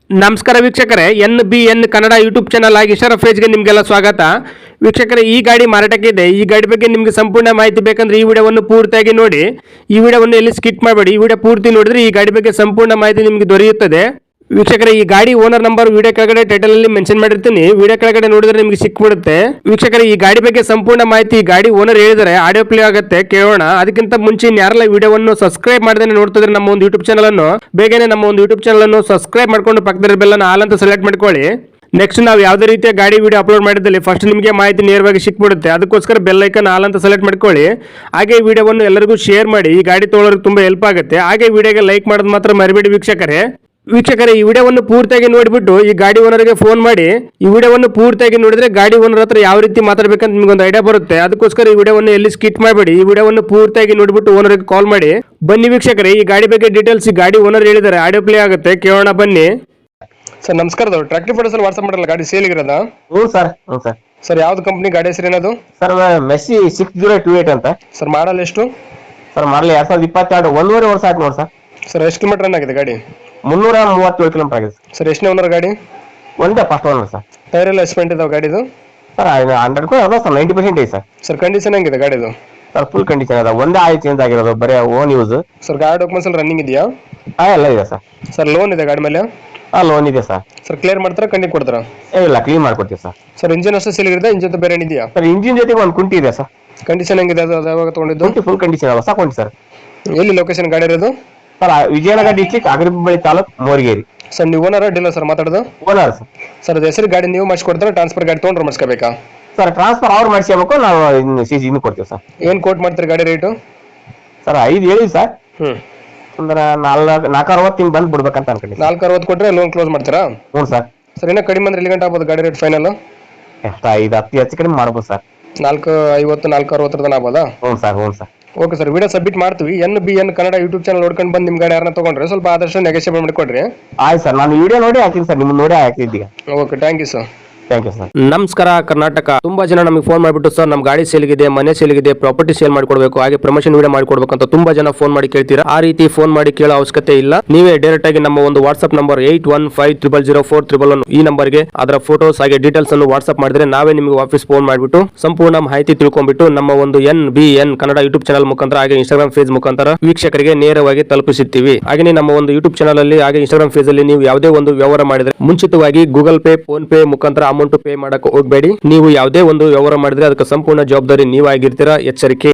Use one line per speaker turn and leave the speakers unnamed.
ನಮಸ್ಕಾರ ವೀಕ್ಷಕರೇ, NBN Kannada YouTube channel ಆಗಿ ಇಶರಫ್ ಫೇಜ್ಗೆ ನಿಮಗೆಲ್ಲ ಸ್ವಾಗತ. ವೀಕ್ಷಕರೇ, ಈ ಗಾಡಿ ಮಾರಾಟಕ್ಕೆ ಇದೆ. ಈ ಗಾಡಿ ಬಗ್ಗೆ ನಿಮಗೆ ಸಂಪೂರ್ಣ ಮಾಹಿತಿ ಬೇಕಂದ್ರೆ ಈ ವಿಡಿಯೋವನ್ನು ಪೂರ್ತಿಯಾಗಿ ನೋಡಿ. ಈ ವಿಡಿಯೋವನ್ನು ಎಲ್ಲಿ ಸ್ಕಿಪ್ ಮಾಡಬೇಡಿ. ಈ ವಿಡಿಯೋ ಪೂರ್ತಿ ನೋಡಿದ್ರೆ ಈ ಗಾಡಿ ಬಗ್ಗೆ ಸಂಪೂರ್ಣ ಮಾಹಿತಿ ನಿಮಗೆ ದೊರೆಯುತ್ತದೆ. ವೀಕ್ಷಕರೇ, ಈ ಗಾಡಿ ಓನರ್ ನಂಬರ್ ವಿಡಿಯೋ ಕೆಳಗಡೆ ಟೈಟಲ್ ಅಲ್ಲಿ ಮೆನ್ಷನ್ ಮಾಡಿರ್ತೀನಿ. ವಿಡಿಯೋ ಕೆಳಗಡೆ ನೋಡಿದ್ರೆ ನಿಮಗೆ ಸಿಕ್ಬಿಡುತ್ತೆ. ವೀಕ್ಷಕರೇ, ಈ ಗಾಡಿ ಬಗ್ಗೆ ಸಂಪೂರ್ಣ ಮಾಹಿತಿ ಗಾಡಿ ಓನರ್ ಹೇಳಿದರೆ ಆಡಿಯೋ ಪ್ಲೇ ಆಗುತ್ತೆ, ಕೇಳೋಣ. ಅದಕ್ಕಿಂತ ಮುಂಚೆ ಯಾರೆಲ್ಲ ವಿಡಿಯೋವನ್ನು ಸಬ್ಸ್ಕ್ರೈಬ್ ಮಾಡದೇ ನೋಡ್ತಿದ್ರೆ ನಮ್ಮ ಒಂದು ಯೂಟ್ಯೂಬ್ ಚಾನಲ್ ಅನ್ನು ಬೇಗನೆ ನಮ್ಮ ಒಂದು ಯೂಟ್ಯೂಬ್ ಚಾನಲ್ ಅನ್ನು ಸಬ್ಸ್ಕ್ರೈಬ್ ಮಾಡ್ಕೊಂಡು ಪಕ್ಕದ ಬೆಲ್ ಅನ್ನು ಆಲ್ ಅಂತ ಸೆಲೆಕ್ಟ್ ಮಾಡ್ಕೊಳ್ಳಿ. ನೆಕ್ಸ್ಟ್ ನಾವು ಯಾವುದೇ ರೀತಿಯ ಗಾಡಿ ವಿಡಿಯೋ ಅಪ್ಲೋಡ್ ಮಾಡಿದಲ್ಲಿ ಫಸ್ಟ್ ನಿಮಗೆ ಮಾಹಿತಿ ನೇರವಾಗಿ ಸಿಕ್ಬಿಡುತ್ತೆ. ಅದಕ್ಕೋಸ್ಕರ ಬೆಲ್ ಐಕನ್ ಆಲ್ ಅಂತ ಸೆಲೆಕ್ಟ್ ಮಾಡ್ಕೊಳ್ಳಿ. ಹಾಗೆ ಈ ವಿಡಿಯೋವನ್ನು ಎಲ್ಲರಿಗೂ ಶೇರ್ ಮಾಡಿ. ಈ ಗಾಡಿ ತೊಗೊಳೋರಿಗೆ ತುಂಬಾ ಹೆಲ್ಪ್ ಆಗುತ್ತೆ. ಹಾಗೆ ವಿಡಿಯೋಗೆ ಲೈಕ್ ಮಾಡೋದು ಮಾತ್ರ ಮರಿಬೇಡಿ ವೀಕ್ಷಕರೇ. ಈ ವಿಡಿಯೋವನ್ನು ಪೂರ್ತಿಯಾಗಿ ನೋಡಿಬಿಟ್ಟು ಈ ಗಾಡಿ ಓನರ್ಗೆ ಫೋನ್ ಮಾಡಿ. ಈ ವಿಡಿಯೋವನ್ನು ಪೂರ್ತಿಯಾಗಿ ನೋಡಿದ್ರೆ ಗಾಡಿ ಓನರ್ ಹತ್ರ ಯಾವ ರೀತಿ ಮಾತಾಡಬೇಕಂತ ನಿಮ್ಗೊಂದು ಐಡಿಯಾ ಬರುತ್ತೆ. ಅದಕ್ಕೋಸ್ಕರ ಈ ವಿಡಿಯೋವನ್ನು ಎಲ್ಲಿ ಸ್ಕಿಪ್ ಮಾಡಬೇಡಿ. ಈ ವಿಡಿಯೋವನ್ನು ಪೂರ್ತಿಯಾಗಿ ನೋಡಿಬಿಟ್ಟು ಓನರ್ಗೆ ಕಾಲ್ ಮಾಡಿ. ಬನ್ನಿ ವೀಕ್ಷಕರೇ, ಈ ಗಾಡಿ ಬಗ್ಗೆ ಡೀಟೇಲ್ಸ್ ಈ ಗಾಡಿ ಓನರ್ ಹೇಳಿದ್ದಾರೆ, ಆಡಿಯೋ ಪ್ಲೇ ಆಗುತ್ತೆ, ಕೇಳೋಣ ಬನ್ನಿ. ಸರ್ ನಮಸ್ಕಾರ, ಟ್ರ್ಯಾಕ್ಟರ್ ಫೋಟೋಸ್ ವಾಟ್ಸ್ಆಪ್ ಮಾಡಲ್ಲ ಗಾಡಿ ಸೇಲ್ ಇರೋದ?
ಹ್ಞೂ ಸರ್. ಹ್ಞೂ ಸರ್.
ಸರ್ ಯಾವ್ದು ಕಂಪ್ನಿ ಗಾಡಿ ಹೆಸರು ಏನದು?
ಸರ್ ಮೆಸ್ಸಿ 6028 ಅಂತ.
ಸರ್ ಮಾಡಲ್ ಎಷ್ಟು?
ಸರ್ ಮಾಡಲಿ 2022, 1.5 ವರ್ಷ ಆಯ್ತು ನೋಡಿ ಸರ್.
ಸರ್ ಎಷ್ಟು ಕಿಲೋಮೀಟರ್ ರನ್ ಆಗಿದೆ ಗಾಡಿ?
337 ಕಿಲೋಮೀಟರ್ ಆಗಿದೆ
ಸರ್. ಎಷ್ಟನೇ ಓನರ್ ಗಾಡಿ?
ಒಂದೇ ಫಸ್ಟ್ ಓನರ್ ಸರ್.
ಟೈರ್ ಎಲ್ಲ ಎಸ್ಪೆಂಟ್ ಇದಾವೆ ಗಾಡಿದು?
ಸರ್ 100 ಅದ ಸರ್, 90% ಇದೆ ಸರ್.
ಸರ್ ಕಂಡೀಷನ್ ಹೆಂಗಿದೆ ಗಾಡಿದು?
ಸರ್ ಫುಲ್ ಕಂಡೀಷನ್ ಅದ, ಒಂದೇ ಆಯಿಲ್ ಚೇಂಜ್ ಆಗಿರೋದು, ಬರೀ ಓನ್ ಯೂಸ್.
ಸರ್ ಗಾಡಿ ಡಾಕ್ಯುಮೆಂಟ್ಸ್ ಎಲ್ಲ ರನ್ನಿಂಗ್ ಇದೆಯಾ?
ಎಲ್ಲ ಇದೆ ಸರ್.
ಸರ್ ಲೋನ್ ಇದೆ ಗಾಡಿ ಮೇಲೆ?
ಲೋನ್ ಇದೆ ಸರ್.
ಸರ್ ಕ್ಲಿಯರ್ ಮಾಡ್ತಾರಾ ಕಂಡಿ ಕೊಡ್ತಾರಾ?
ಇಲ್ಲ, ಕ್ಲೀನ್ ಮಾಡ್ಕೊಡ್ತೀವಿ ಸರ್.
ಸರ್ ಇಂಜಿನ್ ಅಷ್ಟೇ ಸೇಲ್ ಇರುತ್ತೆ, ಇಂಜಿನ್ ಬೇರೆ ಏನಿದೆಯಾ?
ಸರ್ ಇಂಜಿನ್ ಜೊತೆಗೆ ಒಂದು ಕುಂಟಿ ಇದೆ ಸರ್.
ಕಂಡೀಷನ್ ಹೆಂಗಿದೆ ಅದು? ಯಾವಾಗ ತಗೊಂಡಿದ್ದು?
ಕುಂಟಿ ಫುಲ್ ಕಂಡೀಷನ್ ಹೊಸ ಕುಂಟಿ ಸರ್.
ಎಲ್ಲಿ ಲೊಕೇಶನ್ ಗಾಡಿ ಇರೋದು?
Sir Vijayanagara district, Agariballi taluk, Morigeri.
Sir ನೀವು ಓನರ್ ಡೀಲರ್ ಸರ್ ಮಾತಾಡೋದು?
Owner sir.
ಸರ್ ಅದು ಹೆಸರು ಗಾಡಿ ನೀವು ಮಾಡಿಸ್ಕೊಡ್ತಾರೆ, ಟ್ರಾನ್ಸ್ಫರ್ ಗಾಡಿ ತೊಗೊಂಡ್ರೆ ಮಾಡಿಸ್ಕೋಬೇಕಾ?
ಸರ್ ಟ್ರಾನ್ಸ್ಫರ್ ಅವ್ರು ಮಾಡಿಸ್ಕೋಬೇಕು, ನಾವು ಇನ್ನು ಕೊಡ್ತೀವಿ ಸರ್.
ಏನು ಕೋಟ್ ಮಾಡ್ತೀರಿ ಗಾಡಿ ರೇಟು?
ಸರ್ 5 ಹೇಳಿ ಸರ್. ಅಂದ್ರೆ 460 ಹಿಂಗ್ ಬಂದು ಬಿಡ್ಬೇಕಂತ ಅನ್ಕೊಂಡಿದ್ದೆ.
460 ಕೊಟ್ಟರೆ ಲೋನ್ ಕ್ಲೋಸ್ ಮಾಡ್ತೀರಾ?
ಹ್ಞೂ ಸರ್.
ಸರ್ ಇನ್ನೂ ಕಡಿಮೆ ಅಂದ್ರೆ ಎಲ್ಲಿ ಗಂಟೆ ಆಗ್ಬೋದು ಗಾಡಿ ರೇಟ್ ಫೈನಲ್?
ಎಷ್ಟು 5-10 ಹೆಚ್ಚು ಕಡಿಮೆ ಮಾಡ್ಬೋದು ಸರ್.
450 460 ಆಗ್ಬೋದಾ?
ಹ್ಞೂ ಸರ್. ಹ್ಞೂ sir.
Okay sir, video submit ಮಾಡ್ತೀವಿ. NBN ಕನ್ನಡ ಯೂಟ್ಯೂಬ್ ಚಾನಲ್ ನೋಡ್ಕೊಂಡು ಬಂದು ನಿಮ್ಮ ಗಾಡಿ ಯಾರನ್ನ ತೊಗೊಂಡ್ರೆ ಸ್ವಲ್ಪ ಆದಷ್ಟು ನೆಗೋಷಿಯೇಟ್ ಮಾಡಿಕೊಡ್ರಿ.
ಆಯ್ತು ಸರ್, ನಾನು ವಿಡಿಯೋ ನೋಡಿ ಹಾಕಿನಿ ಸರ್, ನಿಮ್ಮನ್ನ ನೋಡಿ ಹಾಕಿದ್ದೀಗ.
Okay, thank you sir.
Thank you sir.
ನಮಸ್ಕಾರ ಕರ್ನಾಟಕ. ತುಂಬಾ ಜನ ನಮಗೆ ಫೋನ್ ಮಾಡಿಬಿಟ್ಟು ಸರ್ ನಮ್ಮ ಗಾಡಿ ಸೇಲ್ಗಿದೆ, ಮನೆ ಸೇಲ್ಗಿದೆ, ಪ್ರಾಪರ್ಟಿ ಸೇಲ್ ಮಾಡಿಕೊಡ್ಬೇಕು, ಹಾಗೆ ಪ್ರಮೋಷನ್ ವಿಡಿಯೋ ಮಾಡಿಕೊಡ್ಬೇಕು ಅಂತ ತುಂಬಾ ಜನ ಫೋನ್ ಮಾಡಿ ಕೇಳ್ತೀರಾ. ಆ ರೀತಿ ಫೋನ್ ಮಾಡಿ ಕೇಳೋ ಅವಶ್ಯಕತೆ ಇಲ್ಲ. ನೀವೇ ಡೈರೆಕ್ಟ್ ಆಗಿ ನಮ್ಮ ಒಂದು ವಾಟ್ಸ್ಆಪ್ ನಂಬರ್ 81500411 ಈ ನಂಬರ್ಗೆ ಅದರ ಫೋಟೋಸ್ ಹಾಗೆ ಡೀಟೇಲ್ಸ್ ಅನ್ನು ವಾಟ್ಸ್ಆಪ್ ಮಾಡಿದ್ರೆ ನಾವೇ ನಿಮಗೆ ವಾಪಸ್ ಫೋನ್ ಮಾಡಿಬಿಟ್ಟು ಸಂಪೂರ್ಣ ಮಾಹಿತಿ ತಿಳ್ಕೊಂಡ್ಬಿಟ್ಟು ನಮ್ಮ ಒಂದು NBN ಕನ್ನಡ ಯೂಟ್ಯೂಬ್ ಚಾನಲ್ ಮುಖಾಂತರ ಹಾಗೆ ಇನ್ಸ್ಟಾಗ್ರಾಮ್ ಪೇಜ್ ಮುಖಾಂತರ ವೀಕ್ಷಕರಿಗೆ ನೇರವಾಗಿ ತಲುಪಿಸುತ್ತೀವಿ. ಹಾಗೆ ನಮ್ಮ ಒಂದು ಯೂಟ್ಯೂಬ್ ಚಾನಲ್ ಅಲ್ಲಿ ಹಾಗೆ ಇನ್ಸ್ಟಾಗ್ರಾಮ್ ಪೇಜ್ ಅಲ್ಲಿ ನೀವು ಯಾವುದೇ ಒಂದು ವ್ಯವಹಾರ ಮಾಡಿದ್ರೆ ಮುಂಚಿತವಾಗಿ ಗೂಗಲ್ ಪೇ, ಫೋನ್ ಪೇ ಮುಖಾಂತರ ಅಮೌಂಟ್ ಪೇ ಮಾಡಕ್ಕೆ ಹೋಗಬೇಡಿ. ನೀವು ಯಾವುದೇ ಒಂದು ವ್ಯವಹಾರ ಮಾಡಿದ್ರೆ ಅದಕ್ಕೆ ಸಂಪೂರ್ಣ ಜವಾಬ್ದಾರಿ ನೀವಾಗಿರ್ತೀರಾ, ಎಚ್ಚರಿಕೆ.